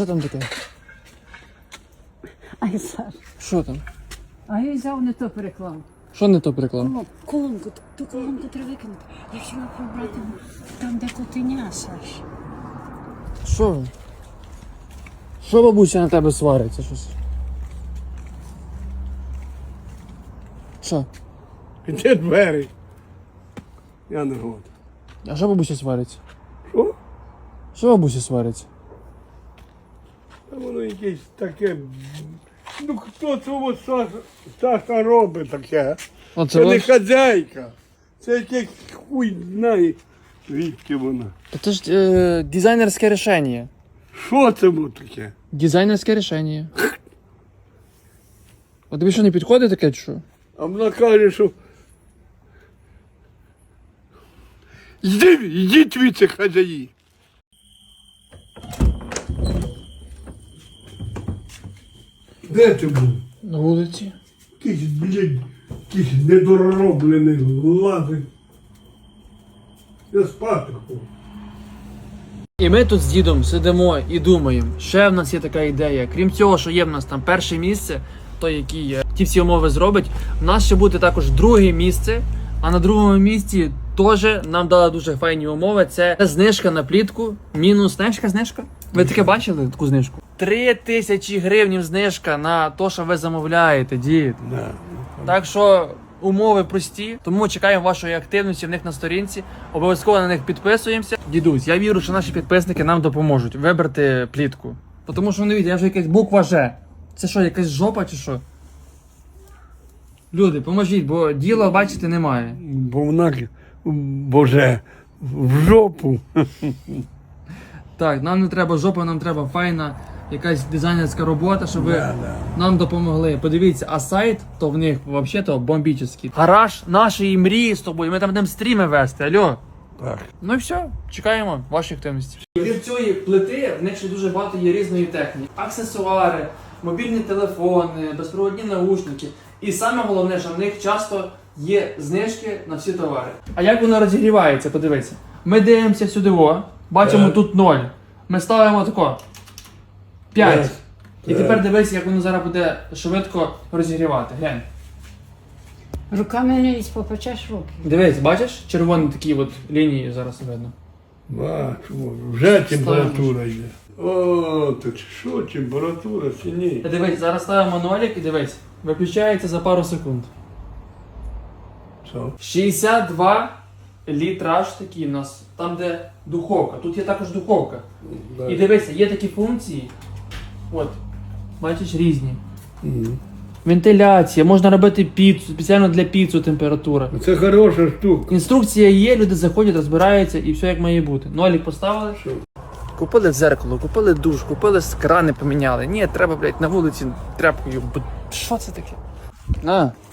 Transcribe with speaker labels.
Speaker 1: що там таке?
Speaker 2: Ай, Саш.
Speaker 1: Що там?
Speaker 2: А я взяв не то переклав.
Speaker 1: Що не то приклав?
Speaker 2: Колонку, ту колонку треба викинути. Я хотіла прибрати там, де котеня, Саш.
Speaker 1: Що ви? Що бабуся на тебе свариться щось? Що?
Speaker 3: Де двері? Я не год.
Speaker 1: А що бабуся свариться?
Speaker 3: Що?
Speaker 1: Що бабуся свариться?
Speaker 3: Та воно якесь таке. Ну хто цього Саша робить таке?
Speaker 1: Оце
Speaker 3: Це не
Speaker 1: ваш?
Speaker 3: хазяйка. Це якесь хуй знає, звідки вона.
Speaker 1: Та це ж дизайнерське рішення.
Speaker 3: Що це було таке?
Speaker 1: Дизайнерське рішення. А тобі що не підходить таке, чи що?
Speaker 3: А вона каже, що. Йдіть звідси, хазяї. Де ти був?
Speaker 1: На вулиці.
Speaker 3: Якийсь, блядь, якийсь недороблений лазить. Я спати хочу.
Speaker 1: І ми тут з дідом сидимо і думаємо, ще в нас є така ідея. Крім цього, що є в нас там перше місце, той, який ті всі умови зробить, в нас ще буде також друге місце, а на другому місці теж нам дали дуже файні умови. Це знижка на плітку, мінус знижка. Ви таке бачили, таку знижку? 3000 гривень знижка на те, що ви замовляєте, дід.
Speaker 3: Да.
Speaker 1: Так що умови прості, тому чекаємо вашої активності в них на сторінці. Обов'язково на них підписуємося. Дідусь, я вірю, що наші підписники нам допоможуть вибрати плітку. Тому що не я вже якась буква Ж. Це що, якась жопа чи що? Люди, поможіть, бо діла, бачите, немає.
Speaker 3: Бо вона, боже, в жопу.
Speaker 1: Так, нам не треба жопа, нам треба файна якась дизайнерська робота, щоб ви нам допомогли. Подивіться, а сайт, то в них взагалі-то бомбічний. Гараж нашої мрії з тобою, ми там будемо стріми вести, алло.
Speaker 3: Так.
Speaker 1: Ну і все, чекаємо вашої активності. Крім цієї плити, в них ще дуже багато є різної техніки. Аксесуари, мобільні телефони, безпроводні наушники. І саме головне, що в них часто є знижки на всі товари. А як воно розігрівається, подивіться. Ми дивимося сюди, бачимо тут 0. Ми ставимо тако 5. І тепер дивись, як воно зараз буде швидко розігрівати. Глянь.
Speaker 2: Руками не лізь, попечеш руки.
Speaker 1: Дивись, бачиш? Червоні такі от лінії зараз видно.
Speaker 3: Бачу, вже температура йде. О, то що температура чи ні?
Speaker 1: Дивись, зараз ставимо нолик і дивись. Виключається за пару секунд.
Speaker 3: Що?
Speaker 1: 62 літраж такі в нас, там де духовка. Тут є також духовка.
Speaker 3: Да.
Speaker 1: І дивися, є такі функції. От, бачиш, різні.
Speaker 3: Мгм.
Speaker 1: Вентиляція, можна робити піцу, спеціально для піцу температура.
Speaker 3: Це хороша штука.
Speaker 1: Інструкція є, люди заходять, розбираються і все як має бути. Нолік поставили.
Speaker 3: Що?
Speaker 1: Купили дзеркало, купили душ, купили крани поміняли. Ні, треба, блядь, на вулиці тряпкою. Що це таке? На.